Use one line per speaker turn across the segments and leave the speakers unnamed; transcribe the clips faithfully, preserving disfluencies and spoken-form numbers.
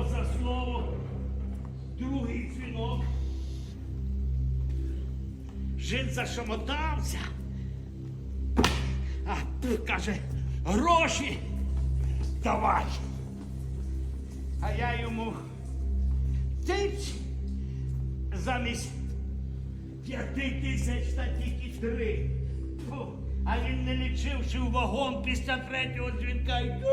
слово за слово. Другий дзвінок. Жид зашамотався. А тут каже, гроші давай. А я йому тиць замість п'яти тисяч та тільки три. Фу. А він не лічивши в вагон після третього дзвінка. Йду.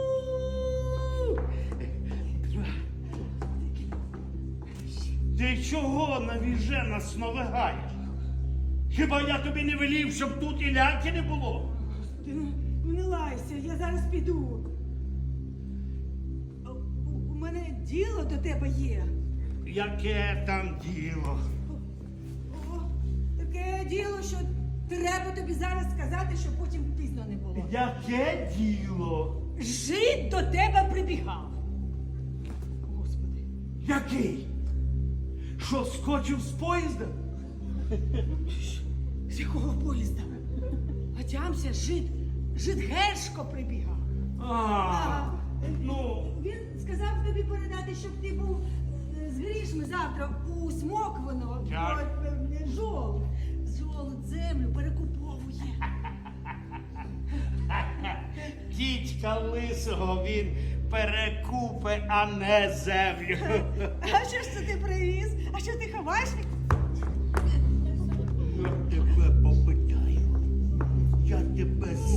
Ти чого навіже нас навигаєш? Хіба я тобі не велів, щоб тут і ляки не було?
Ти ну не лайся, я зараз піду. У, у- у мене діло до тебе є.
Яке там діло?
О, таке діло, що треба тобі зараз сказати, щоб потім пізно не було.
Яке діло?
Жид до тебе прибігав. Господи.
Який? Що, скочив з поїзда?
З якого поїзда? Отямся, жид, жид Гершко прибігав.
А, ну,
Він сказав тобі передати, щоб ти був е, з грішми завтра у Смоквино.
Так.
Е, Жолудь. Жолудь землю перекуповує.
дідька лисого він перекупе, а не землю.
А що ж це ти привіз? А що ти ховаєш?
Я тебе попитаю. Я тебе